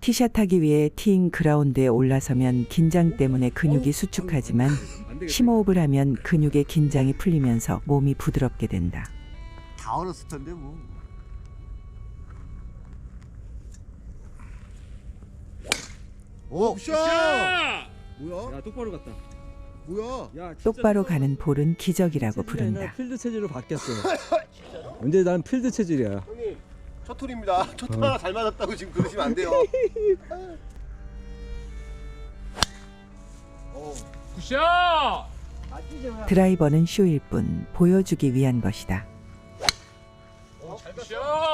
티샷하기 위해 티잉 그라운드에 올라서면 긴장 때문에 근육이 수축하지만 심호흡을 하면 근육의 긴장이 풀리면서 몸이 부드럽게 된다. 다 얼었을 텐데 뭐. 오, 샷! 뭐야? 야 똑바로 갔다. 뭐야? 야 진짜 똑바로 가는 볼은 기적이라고 부른다. 필드 체질로 바뀌었어. 근데 난 필드 체질이야. 형님, 첫 톨입니다. 첫 톨 하나 잘 맞았다고 지금 그러시면 안 돼요. 굿샷! 드라이버는 쇼일 뿐 보여주기 위한 것이다. 굿샷!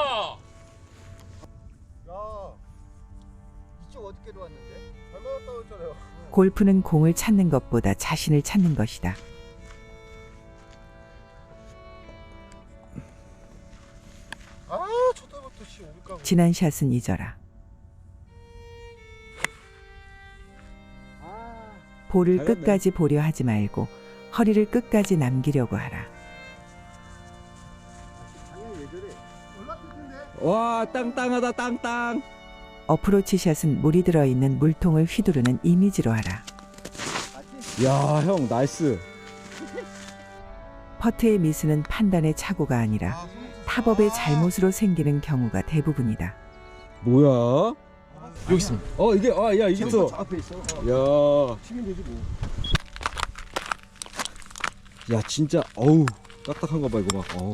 야, 이쪽 어떻게 들어왔는데? 잘 맞았다고 했잖아요. 골프는 공을 찾는 것보다 자신을 찾는 것이다. 아, 첫 톨부터 씨 오를까? 지난 샷은 잊어라. 볼을 잘했네. 끝까지 보려 하지 말고 허리를 끝까지 남기려고 하라. 당연히 왜 저래? 올랐을 텐데. 와 땅땅하다 땅땅. 어프로치 샷은 물이 들어있는 물통을 휘두르는 이미지로 하라. 야 형 나이스. 퍼트의 미스는 판단의 착오가 아니라 탑업의 잘못으로 생기는 경우가 대부분이다. 뭐야? 여기 있습니다. 이게 야 이게 저 또. 앞에 있어. 야. 치면 되지 뭐. 야 진짜 어우 딱딱한 거 봐 이거 봐. 어우.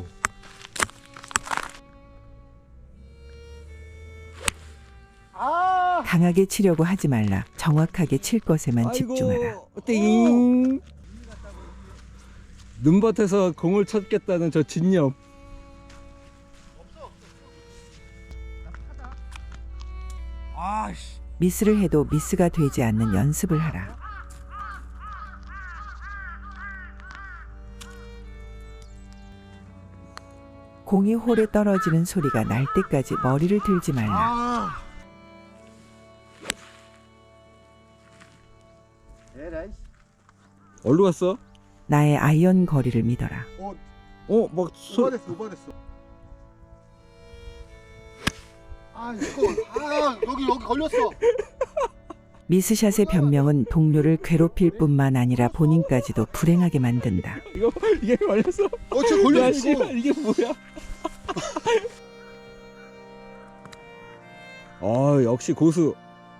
아! 강하게 치려고 하지 말라. 정확하게 칠 것에만 집중하라. 아이고, 띵. 눈밭에서 공을 찾겠다는 저 진념. 아씨. 미스를 해도 미스가 되지 않는 연습을 하라. 공이 홀에 떨어지는 소리가 날 때까지 머리를 들지 말라. 아! 에라이. 어디로 갔어? 나의 아이언 거리를 믿어라. 막 오버됐어, 오버됐어. 아, 이거 여기 걸렸어. 미스샷의 변명은 동료를 괴롭힐 뿐만 아니라 본인까지도 불행하게 만든다. 이게 걸렸어? 저 걸렸어. 야 씨발 이게 뭐야? 역시 고수.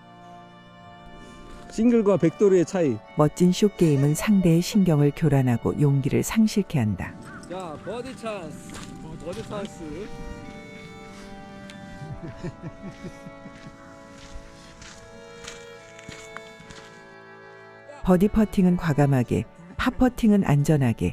싱글과 백도리의 차이. 멋진 숏게임은 상대의 신경을 교란하고 용기를 상실케 한다. 야 버디 찬스. 버디 찬스. 버디 퍼팅은 과감하게, 파 퍼팅은 안전하게.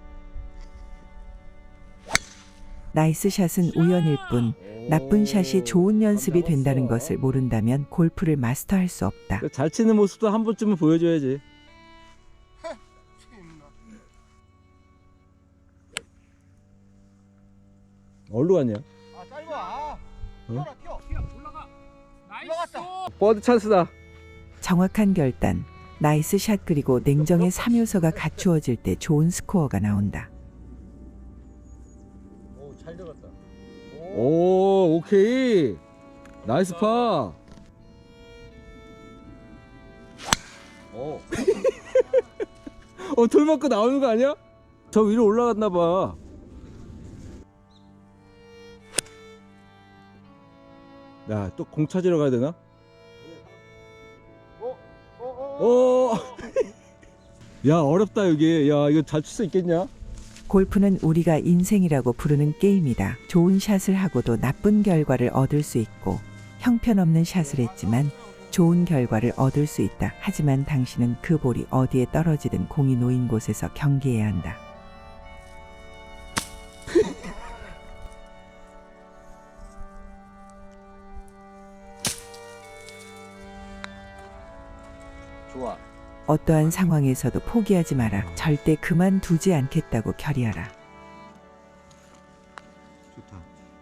나이스 샷은 우연일 뿐 나쁜 샷이 좋은 연습이 된다는 것을 모른다면 골프를 마스터할 수 없다. 잘 치는 모습도 한 번쯤은 보여줘야지. 어디로 갔냐? 아, 짧아. 어? 튀어. 올라가! 나이스! 올라갔다. 버디 찬스다. 정확한 결단, 나이스 샷 그리고 냉정의 3요소가 갖추어질 때 좋은 스코어가 나온다. 오, 잘 들어갔다. 오 오케이. 나이스 파. 돌 맞고 나오는 거 아니야? 저 위로 올라갔나 봐. 야, 또 공 찾으러 가야 되나? 오. 야, 어렵다 여기. 야, 이거 잘 칠 수 있겠냐? 골프는 우리가 인생이라고 부르는 게임이다. 좋은 샷을 하고도 나쁜 결과를 얻을 수 있고 형편없는 샷을 했지만 좋은 결과를 얻을 수 있다. 하지만 당신은 그 볼이 어디에 떨어지든 공이 놓인 곳에서 경기해야 한다. 좋아. 어떠한 상황에서도 포기하지 마라. 절대 그만두지 않겠다고 결의하라. 좋다.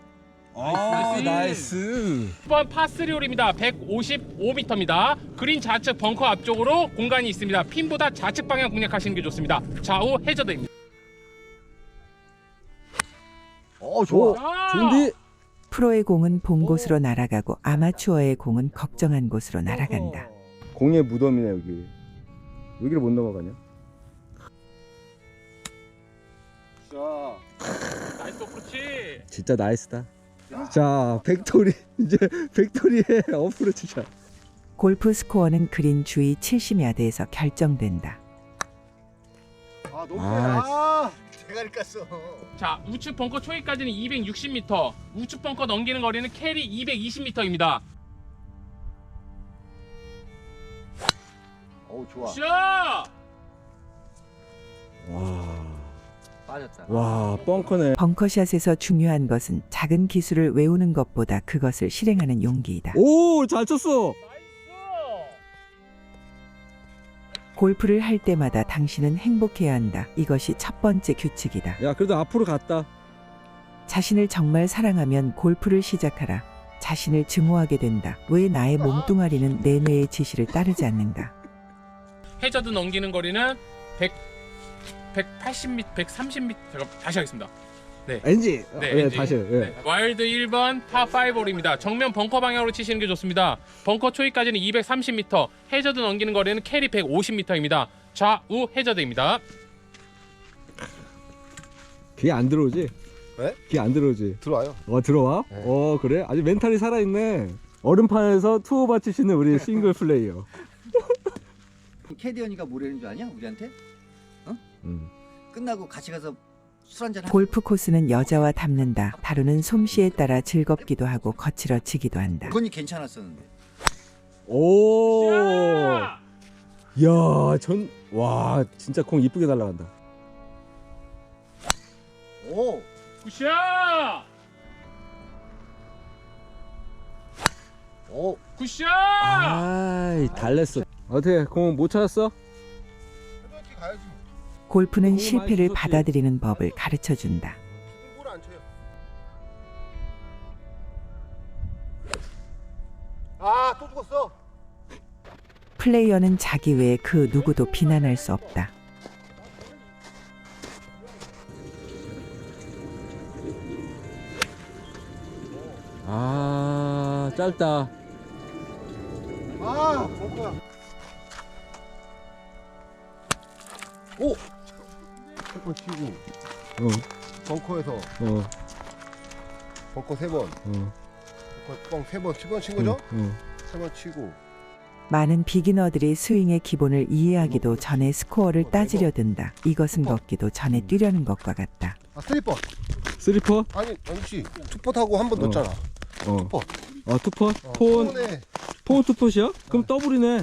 나이스. 1번 파3홀입니다. 155m입니다. 그린 좌측 벙커 앞쪽으로 공간이 있습니다. 핀보다 좌측 방향 공략하시는 게 좋습니다. 좌우 해저드입니다. 좋아. 아! 좋은데? 프로의 공은 본 곳으로 날아가고 아마추어의 공은 걱정한 곳으로 날아간다. 공의 무덤이네 여기. 여기를 못 넘어가냐? 자, 나이스, 그렇지. 진짜 나이스다. 자, 팩토리 이제 팩토리의 어프로치 샷. 골프 스코어는 그린 주위 70야드에서 결정된다. 아 너무 아, 대가리 깠어. 자, 우측 벙커 초이까지는 260m, 우측 벙커 넘기는 거리는 캐리 220m입니다. 어우 좋아. 샷! 빠졌다. 와, 벙커네. 벙커샷에서 중요한 것은 작은 기술을 외우는 것보다 그것을 실행하는 용기이다. 오, 잘 쳤어. 나이스! 골프를 할 때마다 당신은 행복해야 한다. 이것이 첫 번째 규칙이다. 야, 그래도 앞으로 갔다. 자신을 정말 사랑하면 골프를 시작하라. 자신을 증오하게 된다. 왜 나의 몸뚱아리는 내 뇌의 지시를 따르지 않는가? 해저드 넘기는 거리는 180m, 130m. 제가 다시 하겠습니다. 엔지. 네, 엔지. 다시. 예. 네. 와일드 1번 파5홀입니다. 정면 벙커 방향으로 치시는 게 좋습니다. 벙커 초이까지는 230m, 해저드 넘기는 거리는 캐리 150m입니다. 좌우 해저드입니다. 귀에 안 들어오지? 네? 귀에 안 들어오지? 들어와요. 들어와? 네. 그래? 아주 멘탈이 살아있네. 얼음판에서 투오바 치시는 우리 싱글 플레이어. 캐디언이가 뭐라는 줄 아냐? 우리한테? 끝나고 같이 가서 술 한잔 하자. 골프 코스는 여자와 닮는다. 다루는 솜씨에 따라 즐겁기도 하고 거칠어지기도 한다. 건이 괜찮았었는데. 오. 샷! 야, 와, 진짜 공 이쁘게 날아간다. 오. 굿샷! 오. 굿샷! 아이, 달랬어. 어떻게 공 못 찾았어? 이렇게 가야지. 골프는 너무 실패를 많이 받아들이는 법을 가르쳐 준다. 공부를 안 쳐요. 아, 또 죽었어. 플레이어는 자기 외에 그 누구도 비난할 수 없다. 아, 짧다. 아, 벙커야. 오. 한번 치고 어, 벙커에서 어, 벙커 3번, 벙커 뻥 3번, 7번 친 거죠? 3번 치고. 많은 비기너들이 스윙의 기본을 이해하기도 전에 스코어를 따지려 든다. 이것은 걷기도 전에 뛰려는 것과 같다. 아, 슬리퍼. 쓰리퍼? 아니, 아니지. 투퍼 타고 한 번 넣었잖아. 어. 투퍼. 투퍼? 폰에 폰 투퍼시야? 그럼 더블이네.